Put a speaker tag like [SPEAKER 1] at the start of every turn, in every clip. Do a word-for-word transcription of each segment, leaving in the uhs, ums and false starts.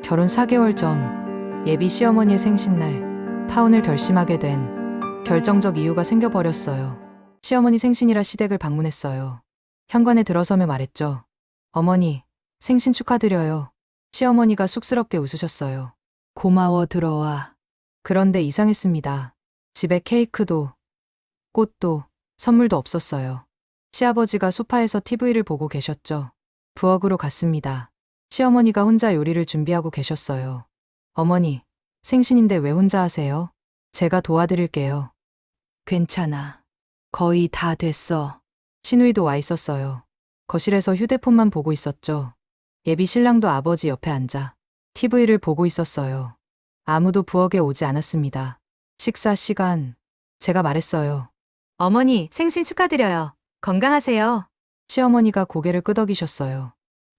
[SPEAKER 1] 결혼 사 개월 전 예비 시어머니의 생신날 파혼을 결심하게 된 결정적 이유가 생겨버렸어요. 시어머니 생신이라 시댁을 방문했어요. 현관에 들어서며 말했죠. 어머니, 생신 축하드려요. 시어머니가 쑥스럽게 웃으셨어요. 고마워, 들어와. 그런데 이상했습니다. 집에 케이크도, 꽃도, 선물도 없었어요. 시아버지가 소파에서 티비를 보고 계셨죠. 부엌으로 갔습니다. 시어머니가 혼자 요리를 준비하고 계셨어요. 어머니, 생신인데 왜 혼자 하세요? 제가 도와드릴게요. 괜찮아. 거의 다 됐어. 시누이도 와 있었어요. 거실에서 휴대폰만 보고 있었죠. 예비 신랑도 아버지 옆에 앉아 티비를 보고 있었어요. 아무도 부엌에 오지 않았습니다. 식사 시간, 제가 말했어요. 어머니, 생신 축하드려요. 건강하세요. 시어머니가 고개를 끄덕이셨어요.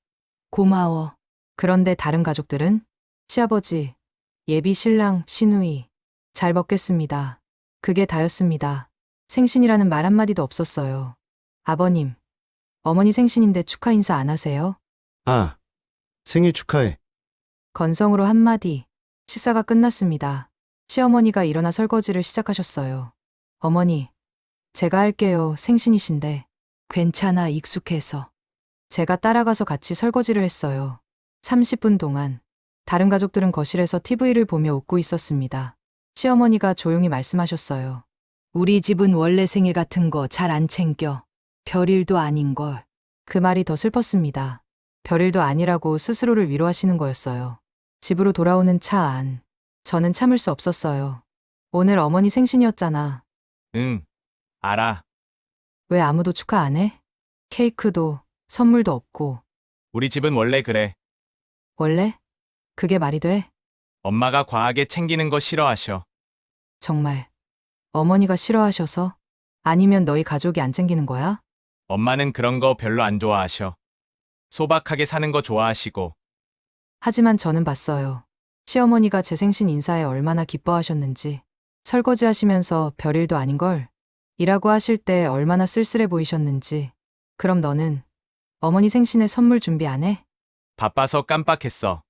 [SPEAKER 1] 고마워. 그런데 다른 가족들은? 시아버지, 예비 신랑, 시누이. 잘 먹겠습니다. 그게 다였습니다. 생신이라는 말 한마디도 없었어요. 아버님, 어머니 생신인데 축하 인사 안 하세요?
[SPEAKER 2] 아, 생일 축하해.
[SPEAKER 1] 건성으로 한마디. 식사가 끝났습니다. 시어머니가 일어나 설거지를 시작하셨어요. 어머니, 제가 할게요. 생신이신데. 괜찮아, 익숙해서. 제가 따라가서 같이 설거지를 했어요. 삼십 분 동안. 다른 가족들은 거실에서 티비를 보며 웃고 있었습니다. 시어머니가 조용히 말씀하셨어요. 우리 집은 원래 생일 같은 거 잘 안 챙겨. 별일도 아닌걸. 그 말이 더 슬펐습니다. 별일도 아니라고 스스로를 위로하시는 거였어요. 집으로 돌아오는 차 안. 저는 참을 수 없었어요. 오늘 어머니 생신이었잖아.
[SPEAKER 3] 응, 알아.
[SPEAKER 1] 왜 아무도 축하 안 해? 케이크도, 선물도 없고.
[SPEAKER 3] 우리 집은 원래 그래.
[SPEAKER 1] 원래? 그게 말이 돼?
[SPEAKER 3] 엄마가 과하게 챙기는 거 싫어하셔.
[SPEAKER 1] 정말. 어머니가 싫어하셔서? 아니면 너희 가족이 안 챙기는 거야?
[SPEAKER 3] 엄마는 그런 거 별로 안 좋아하셔. 소박하게 사는 거 좋아하시고.
[SPEAKER 1] 하지만 저는 봤어요. 시어머니가 제 생신 인사에 얼마나 기뻐하셨는지. 설거지 하시면서 별일도 아닌걸. 이라고 하실 때 얼마나 쓸쓸해 보이셨는지. 그럼 너는 어머니 생신에 선물 준비 안 해?
[SPEAKER 3] 바빠서 깜빡했어.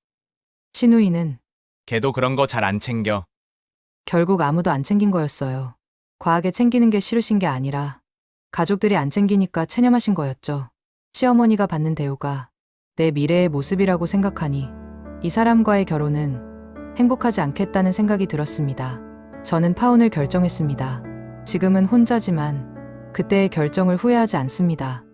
[SPEAKER 1] 시누이는
[SPEAKER 3] 걔도 그런 거 잘 안 챙겨.
[SPEAKER 1] 결국 아무도 안 챙긴 거였어요. 과하게 챙기는 게 싫으신 게 아니라 가족들이 안 챙기니까 체념하신 거였죠. 시어머니가 받는 대우가 내 미래의 모습이라고 생각하니 이 사람과의 결혼은 행복하지 않겠다는 생각이 들었습니다. 저는 파혼을 결정했습니다. 지금은 혼자지만 그때의 결정을 후회하지 않습니다.